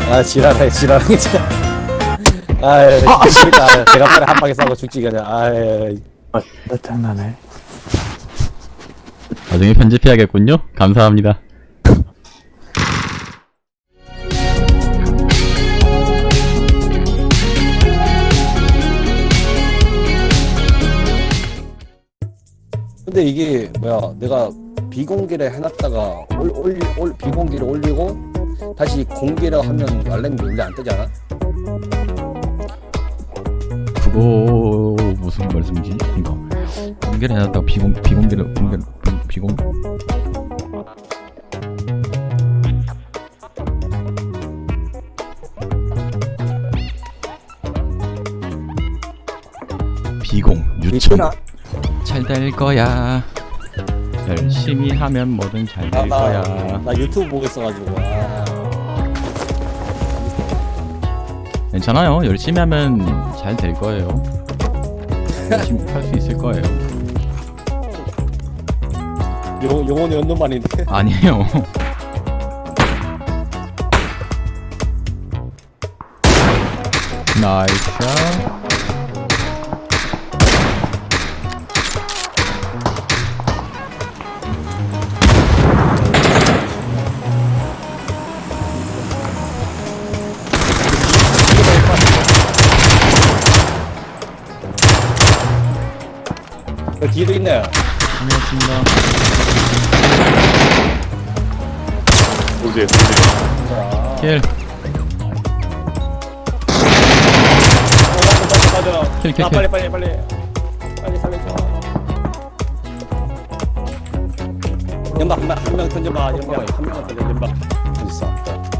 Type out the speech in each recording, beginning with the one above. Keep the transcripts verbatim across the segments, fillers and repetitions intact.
아 지랄해 지랄해 진짜. 아유 죽겠다. 제가 빨리 한 방에 싸고 죽지 그냥. 아유. 아, 장난해. 나중에 편집해야겠군요. 감사합니다. 근데 이게 뭐야? 내가 비공개를 해놨다가 올, 올, 올 비공개를 올리고 다시 공개를 하면 알람이 원래 안 뜨지 않아? 그거 무슨 말씀이지? 이거 공개를 해놨다가 비공 비공개를 공개 비공 비공 유천 잘 될 거야. 열심히 하면 뭐든 잘 될 나, 거야. 나, 나 유튜브 보고 있어가지고. 아. 괜찮아요. 열심히 하면 잘 될 거예요. 열심히 할 수 있을 거예요. 요 요거는 연는 말인데. 아니에요. 나이스. 그 뒤에도 있네. 고맙습니다. 어디에, 어디에. 자. 킬. 맞아 맞아. 킬, 킬, 아, 킬. 빨리 빨리 빨리. 빨리 살려줘. 연막 한명 한 명 던져봐. 연막 한 명만 던져. 연막. 있어.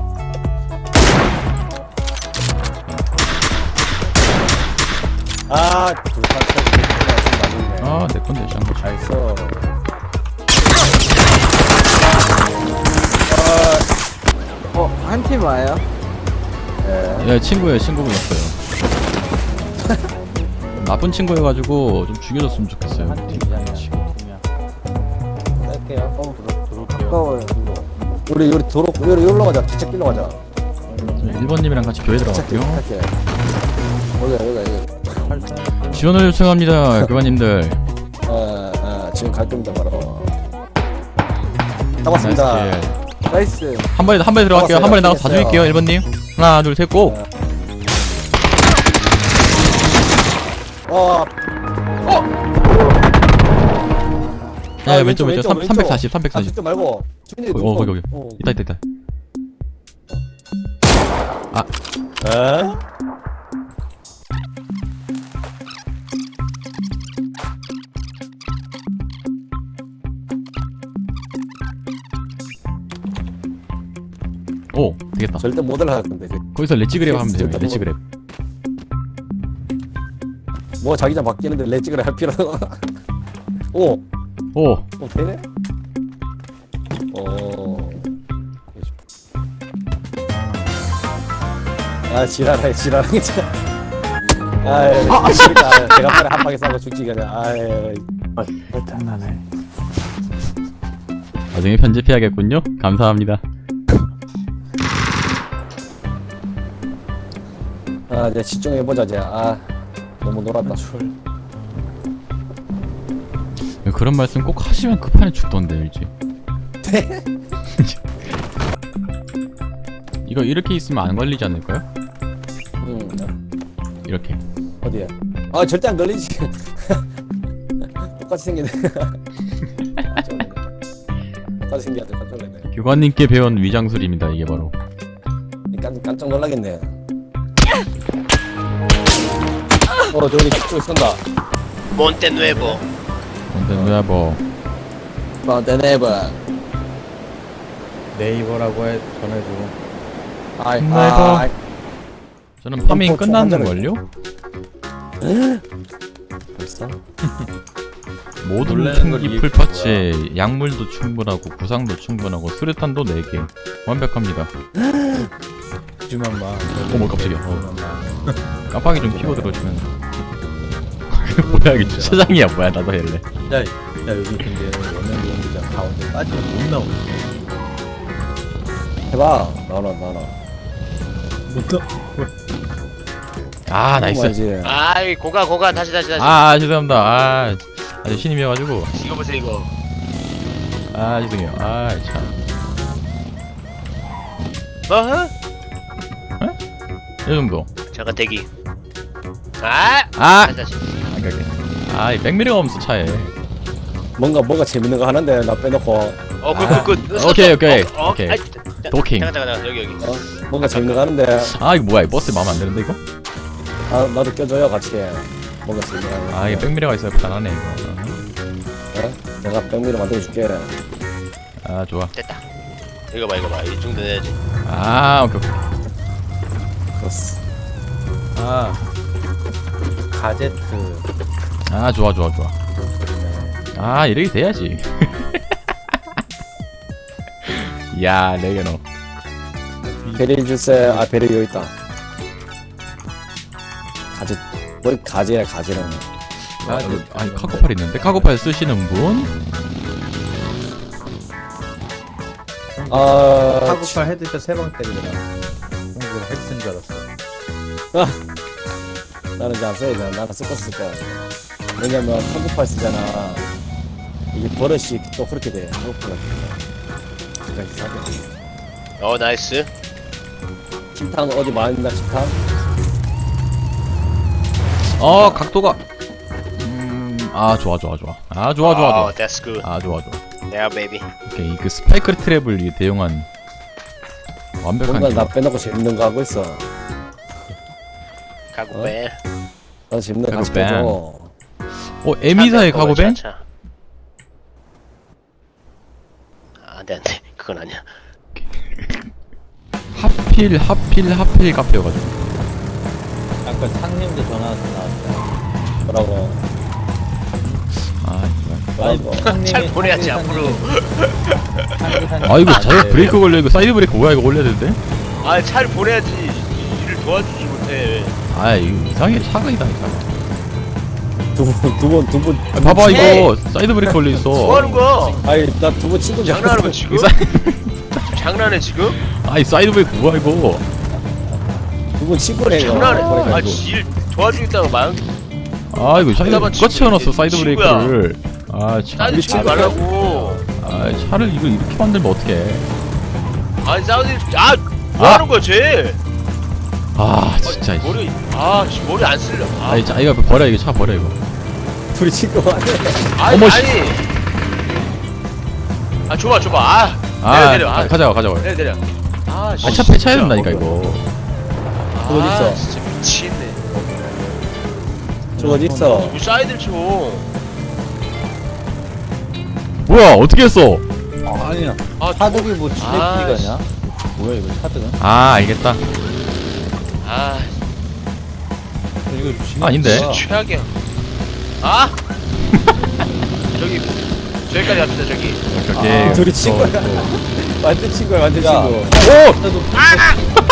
아, 둘다 맞네. 아, 내 건데 샹. 잘 써. 어, 한 팀 와요? 예, 친구예요. 친구분이었어요. 나쁜 친구여가지고 좀 죽여줬으면 좋겠어요. 할게요. 어, 가까워요. 우리 우리 도로 우리 여기로 가자. 기차 길로 가자. 일 번님이랑 같이 교회 기차 들어갈게요. 할게. 여기가 여기가 여기. 지원을 요청합니다. 교관님들. 어, 어, 지금 갈 겁니다 바로. 잡았습니다. 나이스 킬. 나이스. 한 번에 한 번에 들어갈게요. 한 번에 나가서 다 됐어요. 죽일게요. 일 번님. 하나, 둘, 셋, 고. 어, 야, 아, 왼쪽, 왼쪽. 왼쪽, 삼- 왼쪽. 삼백사십, 아, 삼백사십. 죽지 말고. 죽는 데 어, 거기, 거기. 어. 있다, 있다, 있다. 에? 오, 되겠다. 절대 못 올라갈 건데. 그- 거기서 렛지그랩 하면 돼요. 진짜 렛지그랩. 뭐 자기장 바뀌는데 렛지그를 할 필요는. 오, 오, 어 되네. 어. 아 지랄해 지랄해 진짜. 아유 죽겠다. 제가 빨리 한 방에 싸고 죽지 그냥. 아유. 아, 장난해. 나중에 편집해야겠군요. 감사합니다. 아 이제 집중해보자 이제. 아 너무 놀았다. 그런 말씀 꼭 하시면 그 판에 죽던데 일지. 이거 이렇게 있으면 안 걸리지 않을까요? 응. 이렇게. 어디에? 아 절대 안 걸리지. 똑같이 생겼네. 똑같이 생겼네. 깜짝 놀랐네. 교관님께 배운 위장술입니다. 이게 바로. 깜, 깜짝 놀라겠네. 어 저기 저기 쏜다. Monte Nuevo. 근데 누야 뭐 마운테네버. 네이버라고 해, 전해주고. 아이 네이버. 아이. 저는 파밍 총 끝났는 한 걸요? 벌써? 모든 놀라는 걸 총기 이해해 풀파츠에 약물도 충분하고 구상도 충분하고 수류탄도 네 개 완벽합니다. 주만 봐. 어머 깜짝이야. 어. 깜빡이 좀 켜고 들어주면. 뭐야 이게 주차장이야 뭐야 나도 할래. 야, 야, 여기 근데 원형 연기장 가운데 빠지면 못 나오지. 해봐. 나와라 나와라. 아 나이스. 뭐지? 아이 고가 고가 다시 다시 다시. 아, 아 죄송합니다. 아 아주 신임이어가지고. 이거 보세요 이거. 아 죄송해요. 아 참. 어허? 이 정도. 잠깐 대기. 아. 아. 다시 다시. 안 갈게. 아이 백미러가 없어 차에. 뭔가 뭐가 재밌는 거 하는데 나 빼놓고 어굿굿굿. 오케이, 오케이, 어, 어, 오케이. 아이, 자, 도킹. 잠깐 잠깐 잠깐 여기 여기. 어? 뭔가 재밌는 거 하는데 아 이거 뭐야? 이 버스 마음에 안 드는데 이거? 아 나도 껴줘요 같이. 뭔가 재밌는 거 하는데. 아 이게 백미러가 있어야 편하네 이거. 어? 내가 백미러 만들어줄게. 아 좋아. 됐다. 이거 봐 이거 봐. 이 정도 해야지. 아 오케이 오케이. 그렇스. 아 가제트. 아 좋아 좋아 좋아. 아 이렇게 돼야지. 야 레게노. 베리 주세. 아 베리 여기 있다. 가지. 뭘 가지야 가지는. 아, 그, 아니 카고팔 있는데 카고팔 쓰시는 분? 아 카구팔 헤드샷 세 방 때리더라. 공부를 핵쓴 줄 알았어. 나는 이제 안 써야 돼. 나는 쓸 거 쓸 거야. 왜냐면 카구팔 쓰잖아. 이게 버릇이 또 그렇게 돼. 카구팔 진짜 이상해. 어 나이스. 침탕 어디 많이 있나 침탕? 어 각도가. 음아 좋아 좋아 좋아. 아 좋아 좋아 좋아. 어, that's good. 아 좋아 좋아. Yeah baby. 오케이 그 스파이크 트랩을 이 대용한 완벽한. 뭔가 나 기록. 빼놓고 재밌는 거 하고 있어. 가고 어? 벨. 나 재밌는 거 같이 카구밴. 껴줘. 어 에미사의 카고벤? 아, 안돼 안돼. 그건 아니야. 하필 하필 하필 카페여가지고. 아까 상님도 전화 와서 나왔다. 뭐라고? 아 이거. 뭐라고? 상님이- 잘 보내야지, 상기 앞으로. 상기 상기 아 이거 안 자격 돼. 브레이크 걸려 이거 사이드 브레이크 뭐야 이거 올려야 되는데? 아, 차를 보내야지. 이- 일을 도와주지 못해. 아 이거 이상해 차가 이상해. 두분두분두분 아, 봐봐 에이! 이거 사이드 브레이크 걸려 있어. 뭐 하는 거야? 아니 나 두 분 친구 줄 장난하는 거 알았어. 지금? 이거 사이- 지금 장난해 지금? 아이 사이드 브레이크 뭐야 이거? 두분 친구네 이거. 장난해. 그러니까 아, 이거. 일 도와주겠다고 말. 아 이거 사이드 잠깐만, 누가 채워놨어 사이드 친구야. 브레이크를. 아 참. 사이드 치지 말라고. 아 차를 이거 이렇게 만들면 어떡해? 아니 사우디 아, 뭐 아! 하는 거야 쟤? 아 진짜. 아, 머리 아, 씨, 머리 안 쓸려. 아, 아니 자 이거 버려 이거 차 버려 이거. 둘이 친구 같아. 아니, 어머, 씨. 아니. 아, 줘봐, 줘봐. 아, 아 내려, 내려. 아, 가져가 가져가. 내려, 내려. 아, 씨. 아차 폐차해야 된다니까 이거. 저거 어디 있어? 아, 진짜 미치겠네. 저 어디 있어? 뭐 사이드를 쳐. 뭐야 어떻게 했어? 아니야. 아, 차득이 뭐 아, 지네끼리가냐? 뭐야 이거 차득은? 아 알겠다. 아, 이거 지네 아닌데. 진짜 최악이야. 아! 저기 저기까지 갑시다 저기. 오케이. 아, 둘이 어, 친구야. 어. 완전 친구야 완전 야. 친구. 오!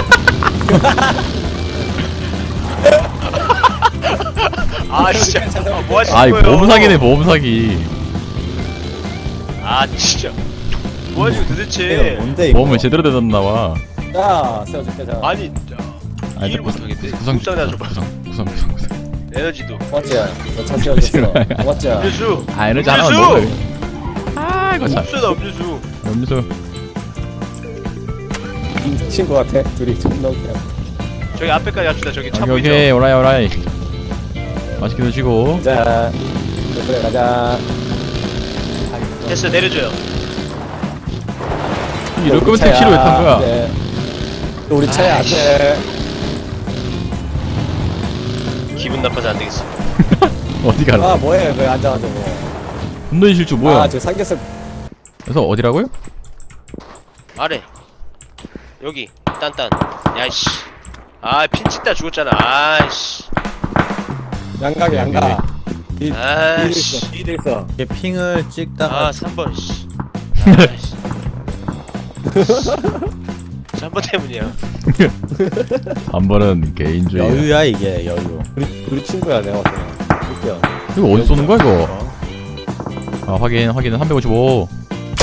아 진짜 뭐 하시는 아이 거예요? 보험 사기네 보험 사기. 아 진짜 뭐 하시는 이거 도대체? 뭔데 이거? 보험을 제대로 대놨나 봐. 자 세워줄게 자. 아니 아니, 이해를 못하겠대. 구성 구상 나 줘봐. 구성 구성 구성 구성. 에너지도. 맞지? 너차 세워줬어. 맞지? 음료수. 아 에너지 하나만 음료수! 먹어. 아 이거 참. 음료수다 음료수. 음료수. 친구 같아. 둘이 존나 웃겨. 저기 앞에까지 갑시다. 저기 차 오케이 보이죠? 오케이 오라이 오라이. 맛있게 드시고. 자 그래 가자. 됐어 내려줘요. 이럴 거면 택시로 왜 탄 거야? 네. 또 우리 차에 안 아이씨. 돼. 기분 나빠서 안 되겠어. 어디 가라? 아 뭐해 그 앉아가지고. 분노의 실주 뭐야? 아저 삼겹살. 그래서 어디라고요? 아래. 여기 딴딴. 야이씨. 아 핀치다 죽었잖아. 아이씨. 양각이 양각. 이 아이씨. 이돼 있어. 이게 핑을 찍다가 아 삼 번 씨. 아이씨. 삼 번 때문이야. 한 번은 개인주의. 여유야 이게 여유. 우리 우리 친구야 내가 봤을 때. 웃겨. 이거 어디 쏘는 거야 이거? 아 확인 확인은 삼백오십오.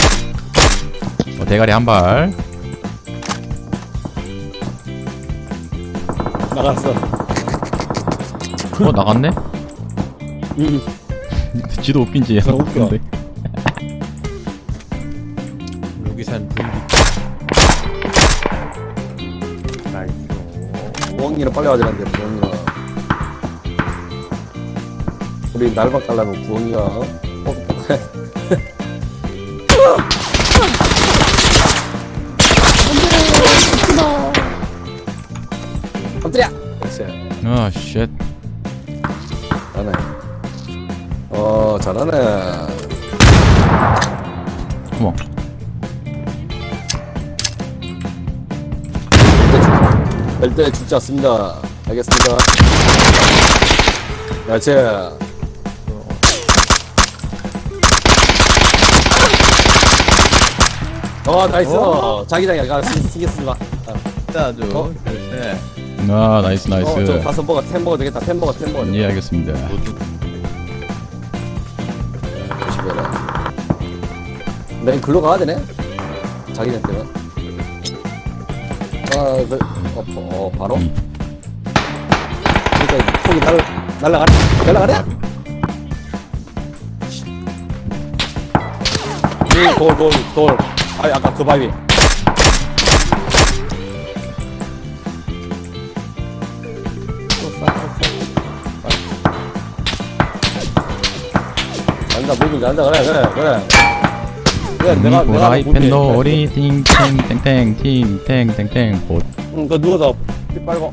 어, 대가리 한 발. 나갔어. 어 나갔네? 음. 지도 웃긴지 너무 웃겨. 근데 여기산 브이비. 나이스. 부엉이는 빨리 와야되는데 부엉이는. 우리 날박 가려면 부엉이가 어? 뻑뻑해. 엎드려! 그렇지. 아 쉣. 잘하네. 어, 잘하네. 어머 뺄때 죽지 않습니다. 알겠습니다. 그렇지. 어, 나이스. 자기장이야. 가, 신경 쓰지 마. 아주. 어? 네. 아 나이스 어, 저 나이스. 가서 먹어. 템 먹어도 되겠다. 템 먹어, 템 먹어. 예 알겠습니다. 조심해라. 맨 글로 가야 되네? 자기장 때문에. 아, 그, 어, 어, 바로? 그러니까 폭이 날, 날라가네? 날라가네? 이 돌, 돌, 돌. 아, 아까 그 바위. 간다, 무빙 간다. 그래, 그래, 그래. 그래, 내가, 내가 후라이팬 무빙. 놀이 팅탱탱탱 팅탱탱탱 봇. 응, 그 누워서 피 빨고.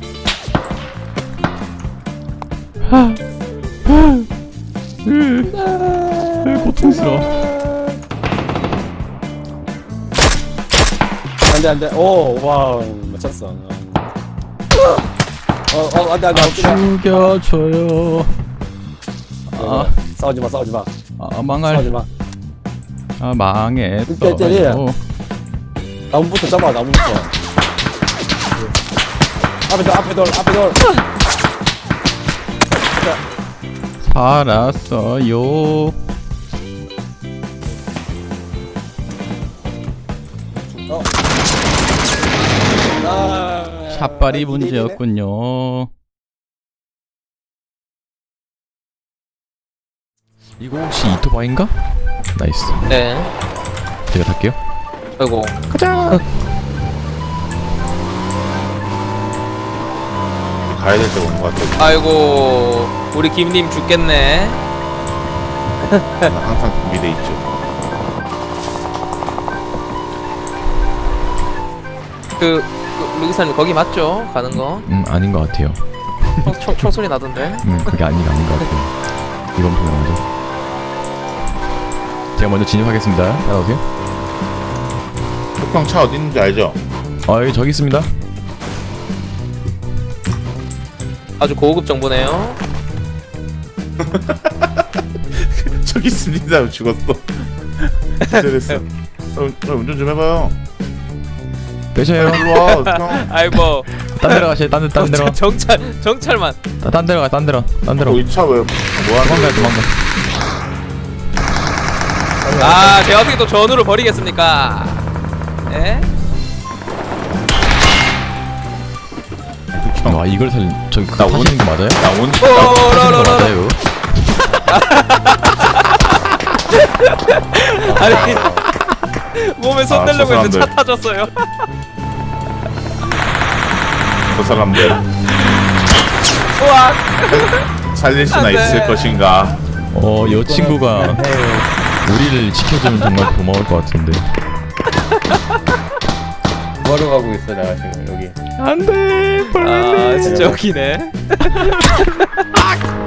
고통스러워. 안돼 안돼. 오, 와, 맞췄어. 어, 어, 안돼 안돼. 죽여줘요. 아, 싸우지 마, 싸우지 마, 아 싸우지 망할. 마. 아 망했어. 때려, 때려. 나무부터 잡아, 나무부터. 앞에 돌, 앞에 돌, 앞에 돌. 살았어요. 어. 아, 샷발이 문제였군요. 이거 혹시 이토바인가? 나이스. 네. 제가 탈게요. 아이고. 가야 될 때가 온 것 같아. 아이고. 우리 김님 죽겠네. 나 항상 준비돼 있죠. 그, 그 루기사님 거기 맞죠? 가는 거? 음 아닌 것 같아요. 총, 총, 총소리 나던데. 음 그게 아닌 아닌 것 같아요. 이건 분명하죠. 제가 먼저 진입하겠습니다. 따라오세요. 톡방 차 어디 있는지 알죠? 아 여기 저기 있습니다. 아주 고급 정보네요. 저기 있습니다. 죽었어. 기절했어. 어, 어, 운전 좀 해봐요. 빼셔요. 일로 와. 형. 아이고. 딴 데로 가세요. 딴 데, 딴 데로. 정찰, 정찰만. 아, 딴 데로 가. 딴 데로. 딴 데로. 어, 이 차 왜 뭐하는 도망가요. 거야? 도망가. 아, 제가 어떻게 또 전우를 버리겠습니까? 예? 와 이걸 살 저기 그거 나 온- 타시는 거 맞아요? 나 온. 오, 나 타시는 거 라라라라. 맞아요? 아니, 몸에 손 아, 대려고 저 했는데 차 사람들. 타졌어요. 그 사람들 우와. 살릴 수나 안 돼. 있을 것인가? 어, 여 친구가 우리를 지켜주면 정말 고마울 것 같은데. 뭐하러 가고 있어 내가 지금 여기. 안돼, 아, 진짜 웃기네.